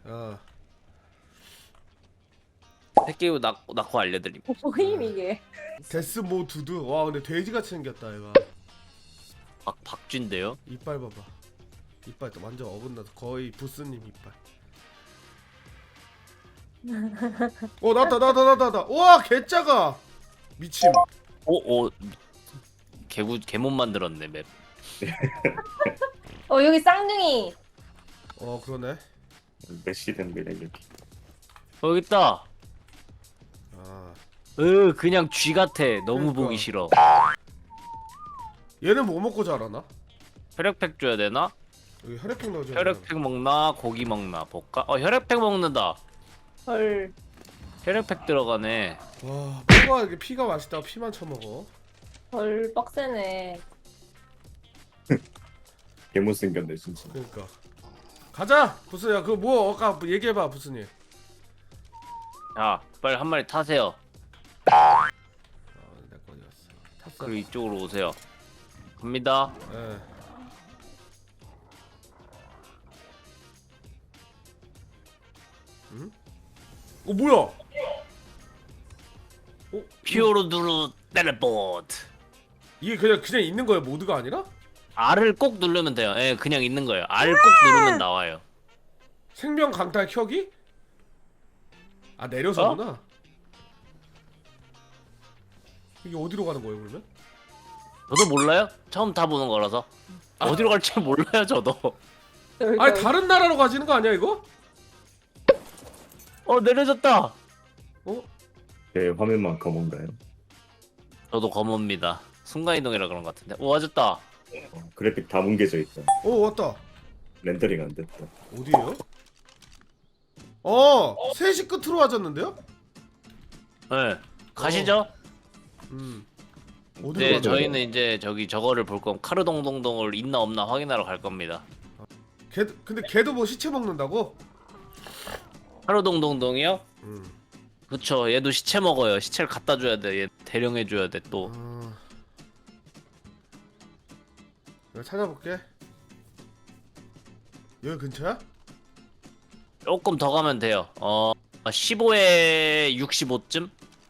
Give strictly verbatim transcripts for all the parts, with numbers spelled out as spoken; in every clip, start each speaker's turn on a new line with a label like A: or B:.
A: 어.
B: 새끼우 낳고, 낳고 알려드림.
C: 뭐임 이게?
A: 데스 모 두드. 와 근데 돼지같이 생겼다 얘가.
B: 박, 박쥐인데요?
A: 이빨 봐봐. 이빨 또 완전 어긋나서 거의 부스님 이빨. 어 나왔다 나왔다 나왔다 나왔다. 우와 개짜가. 미침.
B: 오, 오. 개구, 개못 만들었네, 맵.
C: 어 여기 쌍둥이.
A: 어 그러네.
D: 메시 된 거야 여기.
B: 어, 여기 있다.
A: 아
B: 으, 그냥 쥐 같아. 너무
A: 그러니까.
B: 보기 싫어.
A: 얘는 뭐 먹고 자라나?
B: 혈액팩 줘야 되나?
A: 여기 혈액팩 넣어줘야
B: 혈액팩 먹나? 고기 먹나? 볼까? 어, 혈액팩 먹는다.
C: 헐.
B: 혈액팩 들어가네.
A: 와 뭐가 이렇게 피가 맛있다고 피만 처먹어.
C: 헐 빡세네.
D: 개못 생겼네 진짜.
A: 그러니까 가자 부스야. 그 뭐 아까 얘기해봐 부스님.
B: 자, 빨리 한 마리 타세요.
A: 아 내거 어디 갔어. 탔어.
B: 그리고 이쪽으로 오세요. 갑니다.
A: 예. 응? 어 뭐야? 어?
B: 피오르두루 텔레포트.
A: 이게 그냥 그냥 있는 거예요 모드가 아니라?
B: R을 꼭 누르면 돼요. 예, 그냥 있는 거예요. R 꼭 누르면 나와요.
A: 생명 강탈 켜기? 아 내려서구나. 이게 어디로 가는 거예요 그러면?
B: 저도 몰라요? 처음 타보는 거라서. 어디로 갈지 몰라요, 저도.
A: 아니 다른 나라로 가지는 거 아니야 이거?
B: 어, 내려졌다.
A: 어?
D: 제 화면만 검은가요?
B: 저도 검어입니다. 순간이동이라 그런 것 같은데. 오, 와졌다.
D: 어, 그래픽 다 뭉개져 있다.
A: 어 왔다.
D: 렌더링 안 됐다.
A: 어디에요? 어! 세 시 끝으로 와졌는데요?
B: 네. 가시죠.
A: 음 어디로
B: 네,
A: 가죠?
B: 저희는 이제 저기 저거를 볼 거면 카르동동동을 있나 없나 확인하러 갈 겁니다.
A: 걔 근데 걔도 뭐 시체 먹는다고?
B: 카르동동동이요?
A: 음.
B: 그쵸. 얘도 시체 먹어요. 시체를 갖다 줘야 돼. 얘 대령해 줘야 돼 또.
A: 아... 내가 찾아볼게. 여기 근처야?
B: 조금 더 가면 돼요. 어, 십오에 육십오쯤?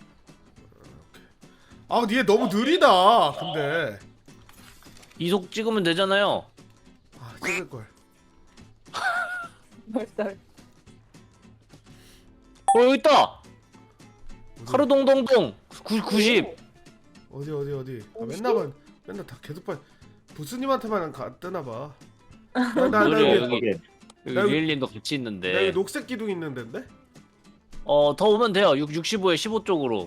A: 아 근데 얘 너무 느리다. 근데
B: 이속 찍으면 되잖아요.
A: 아 찍을걸.
C: 헐.
B: 어, 여기 있다.
A: 어디?
B: 카르동동동 구십.
A: 어디 어디 어디 아, 맨날 봐 맨날 다 계속 봐. 부스님한테만 가, 뜨나봐. 나, 나, 나,
B: 그래요,
A: 여기,
B: 여기.
D: 저게
B: 여기
A: 나 여기-
B: 리엘님도 같이
A: 나 여기
B: 있는데.
A: 녹색 기둥 있는 데인데?
B: 어, 더 오면 돼요. 육, 육십오에 십오 쪽으로.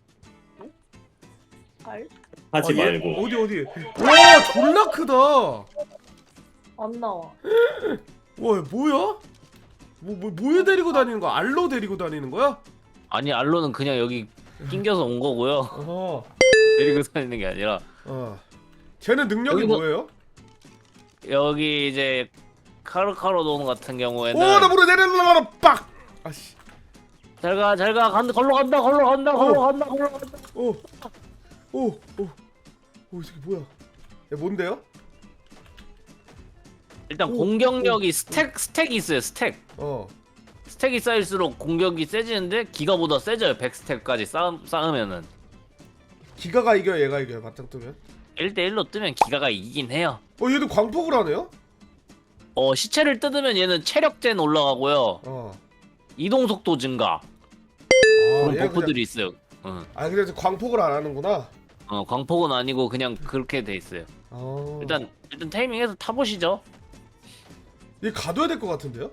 C: 헐.
D: 하지
A: 아, 얘
D: 말고.
A: 어디 어디 와 졸라 크다. 와
C: 안 나와.
A: 뭐야? 뭐, 뭐 뭐에 데리고 다니는 거야? 알로 데리고 다니는 거야?
B: 아니, 알로는 그냥 여기 낑겨서 온 거고요.
A: 어허
B: 데리고 다니는 게 아니라.
A: 어 쟤는 능력이
B: 여기서-
A: 뭐예요?
B: 여기 이제 카르카르동 같은 경우에는
A: 오나 물어 내려놔라 빡 아씨
B: 잘가 잘가 간다 걸로 간다 걸로 간다 걸로
A: 어.
B: 간다 걸로 간다.
A: 오오오오 이 새끼 뭐야? 얘 뭔데요?
B: 일단
A: 오,
B: 공격력이 스택 스택이 있어요. 스택
A: 어
B: 스택이 쌓일수록 공격이 세지는데 기가보다 세져요. 백 스택까지 쌓, 쌓으면은
A: 기가가 이겨 얘가 이겨요 바탕 뜨면?
B: 일 대 일로 뜨면 기가가 이기긴 해요.
A: 어 얘도 광폭을 하네요?
B: 어, 시체를 뜯으면 얘는 체력젠 올라가고요.
A: 어
B: 이동 속도 증가.
A: 아,
B: 그런
A: 얘가
B: 버프들이 있어요. 응.
A: 아 근데 광폭을 안 하는구나.
B: 어, 광폭은 아니고 그냥 그렇게 돼 있어요.
A: 아
B: 일단 일단 타이밍해서 타보시죠.
A: 얘 가둬야 될 것 같은데요?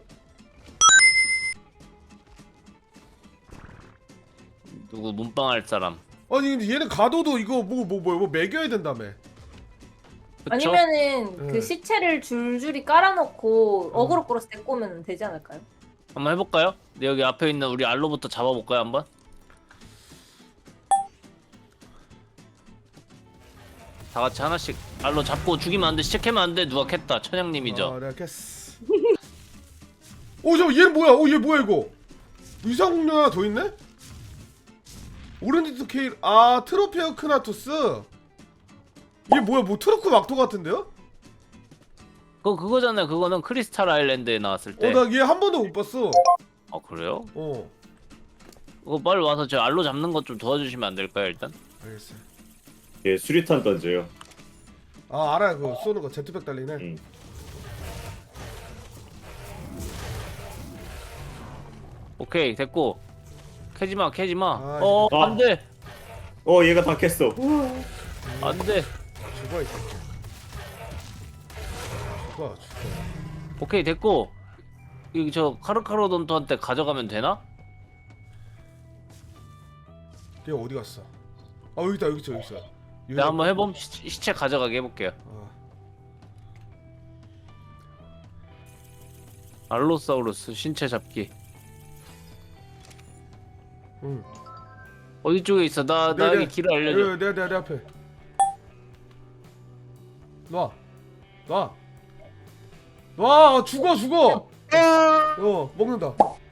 B: 누구 문방할 사람.
A: 아니 근데 얘는 가둬도 이거 뭐 뭐 뭐 뭐 매겨야 된다며.
B: 그쵸?
C: 아니면은
A: 네.
C: 그 시체를 줄줄이 깔아놓고 어그로 끌어서 데리고 오면 되지 않을까요?
B: 한번 해볼까요? 네, 여기 앞에 있는 우리 알로부터 잡아볼까요 한번? 다 같이 하나씩 알로 잡고 죽이면 안 돼. 시작하면 안 돼. 누가 캤다. 천양님이죠.
A: 아 내가 캐스. 오 잠깐 얘는 뭐야? 오 얘 뭐야 이거? 이상 공룡 하나 더 있네? 오렌지 스케일 아 트로페어 크나투스. 얘 뭐야 뭐 트로크 막토 같은데요?
B: 그거 그거잖아요. 그거는 크리스탈 아일랜드에 나왔을 때.
A: 어 나 얘 한 번도 못 봤어.
B: 아 그래요?
A: 어
B: 그거 빨리 와서 저 알로 잡는 것 좀 도와주시면 안 될까요 일단?
A: 알겠어.
D: 얘 수리탄 던져요.
A: 아 알아요 그거 쏘는 거 제트백 달리네.
D: 응.
B: 오케이 됐고. 캐지마 캐지마.
A: 아,
B: 어
D: 아.
B: 안돼
D: 어 얘가 다 깼어.
B: 안돼.
A: 죽어 이 새끼. 죽어 죽어.
B: 오케이 됐고. 이거 저 카르카로돈토한테 가져가면 되나?
A: 얘 어디 갔어? 아 여기 있다 여기 있어 여기 있어.
B: 내가 한번 해봄 시, 시체 가져가게 해볼게요.
A: 어.
B: 알로사우루스 신체 잡기.
A: 응.
B: 어디 쪽에 있어? 나
A: 네,
B: 나에게
A: 네.
B: 길을 알려줘.
A: 내, 내, 내, 내 앞에. 놔. 놔. 놔. 죽어, 죽어. 어, 먹는다.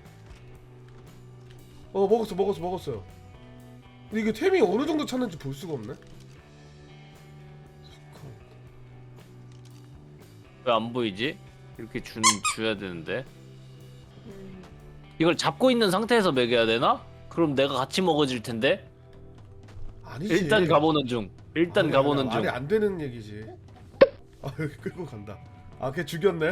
A: 어, 먹었어, 먹었어, 먹었어요. 근데 이게 템이 어느 정도 찾는지 볼 수가 없네.
B: 왜 안 보이지? 이렇게 준 줘야 되는데.
C: 음.
B: 이걸 잡고 있는 상태에서 먹여야 되나? 그럼 내가 같이 먹어질 텐데.
A: 아니지.
B: 일단 가보는 중. 일단
A: 아니,
B: 가보는
A: 아니,
B: 중.
A: 말이 안 되는 얘기지. 아, 여기 끌고 간다. 아, 걔 죽였네.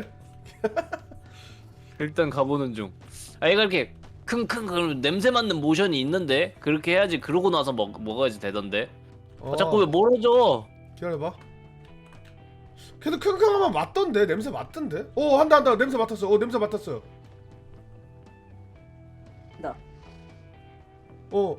B: 일단 가보는 중. 아 얘가 이렇게 킁킁 그럼 냄새 맡는 모션이 있는데 그렇게 해야지. 그러고 나서 먹 먹어야지 되던데.
A: 어,
B: 아, 자꾸 왜 멀어져?
A: 기다려봐. 걔도 킁킁하면 맞던데 냄새 맡던데. 어 한다 한다 냄새 맡았어. 어 냄새 맡았어요.
C: 나.
A: 어.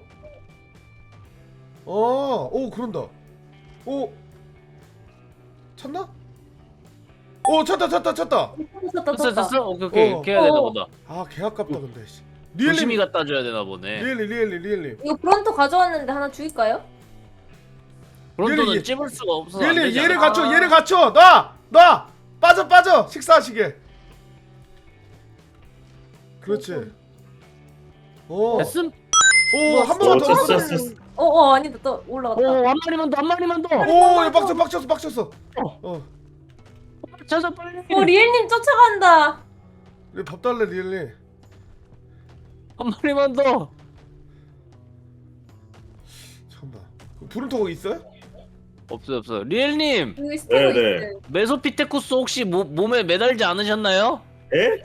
A: 어, 오 그런다. 오. 찾나? 오 찾다 찾다 찾다.
C: 떴다
B: 됐어
C: 떴다.
B: 됐어. 오케이 오케이.
A: 어.
B: 이렇게 해야 되나
C: 어.
B: 보다.
A: 아 개 아깝다 근데. 씨.
B: 조심히
A: 리엘님
B: 갖다 줘야 되나 보네.
A: 리엘님 리엘님 리엘님.
C: 이거 브론토 가져왔는데 하나 죽일까요?
B: 브론토는
A: 얘를-
B: 찝을 수가 없어서 안
A: 리엘님
B: 되지
A: 얘를
B: 않아?
A: 갖춰 얘를 갖춰. 놔! 놔! 빠져 빠져 식사하시게. 그렇지. 오.
B: 됐음?
A: 오한 번만 더
D: 어,
A: 넣었어.
D: 됐어, 됐어.
C: 어어 아니다 또 올라갔다.
B: 오, 한 마리만 더, 한 마리만 더.
A: 오, 얘 빡쳤어, 빡쳤어, 빡쳤어.
B: 어.
A: 어,
B: 찾아 빨리.
C: 어 리엘님 쫓아간다.
A: 얘밥 달래 리엘리.
B: 한 마리만 더.
A: 잠깐만. 브룬토 거기 있어요?
B: 없어요, 없어요. 리엘님,
C: 여기 스테고
D: 네,
C: 있어요.
B: 메소피테쿠스 혹시 모, 몸에 매달지 않으셨나요?
D: 에?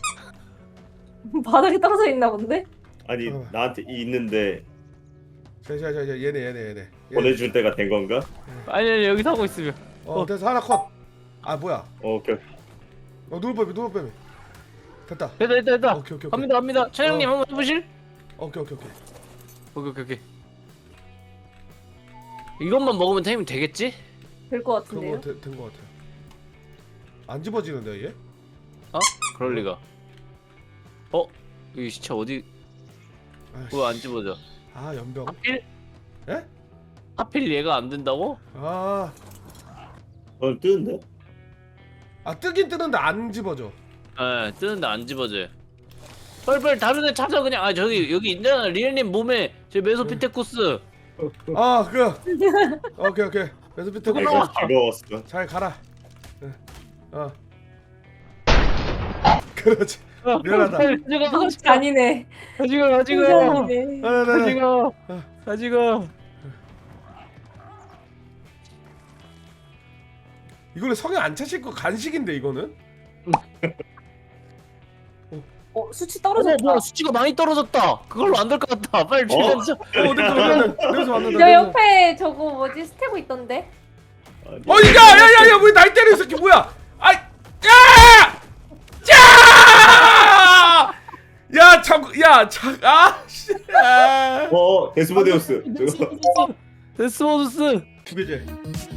C: 바닥에 떨어져 있나 본데?
D: 아니
A: 어.
D: 나한테 있는데
A: 자, 자, 자, 자, 얘네, 얘네, 얘네. 얘네.
D: 보내줄 때가 된 건가?
B: 아니, 아니 여기서 하고 있으면.
A: 어, 됐어 하나 컷. 아 뭐야?
D: 어, 오케이.
A: 어, 누울빼미, 누울빼미. 됐다.
B: 됐다, 됐다, 됐다.
A: 오케이, 오케이, 오케이.
B: 갑니다, 갑니다. 차장님
A: 어.
B: 한번 해보실?
A: 오케이, 오케이, 오케이.
B: 오케이, 오케이, 오케이. 이것만 먹으면 템이 되겠지?
C: 될 것
A: 그런
C: 같은데요?
A: 거 된 거 같아요. 안 집어지는데 얘?
B: 어? 그럴 리가. 어? 이 시체 어디?
A: 아이씨.
B: 왜 안 집어져?
A: 아 연병.
B: 하필?
A: 에?
B: 하필 얘가 안 된다고?
A: 아,
D: 어 뜨는데?
A: 아 뜨긴 뜨는데 안 집어져.
B: 예, 뜨는데 안 집어져요. 빨리빨리 다른 애 찾아 그냥. 아 저기 여기 있잖아. 리엘님 몸에 저 메소피테쿠스.
A: 아, 그. 오케이, 오케이. 그래서 밑에
B: 그거
A: 거
B: 나와.
D: 내가 즐거웠어.
A: 잘 가라. 응. 어. 그렇지. 미안하다.
B: 가지가
C: 누구 잔이네.
B: 가지가 가지가
C: 잔이네.
A: 아, 네, 네.
B: 가지가 가지가.
A: 이거는 성에 안 차실 거 간식인데 이거는?
C: 어 수치
B: 어
C: 떨어졌다.
B: 뭐야 수치가 많이 떨어졌다. 그걸로 안 될 것 같다. 빨리 주변 좀.
A: 어, 냄새 맡는다. 냄새 맡는다.
C: 저
A: 냄새.
C: 옆에 저거 뭐지 스테고 있던데?
D: 아니,
A: 어, 야, 야, 야, 야, 왜 날 때려 이 새끼 뭐야? 아, 야! 야! 야, 자꾸, 야, 자, 아, 씨. 아.
D: 어 데스모데우스. 저거.
B: 데스모드스.
A: 두 개째.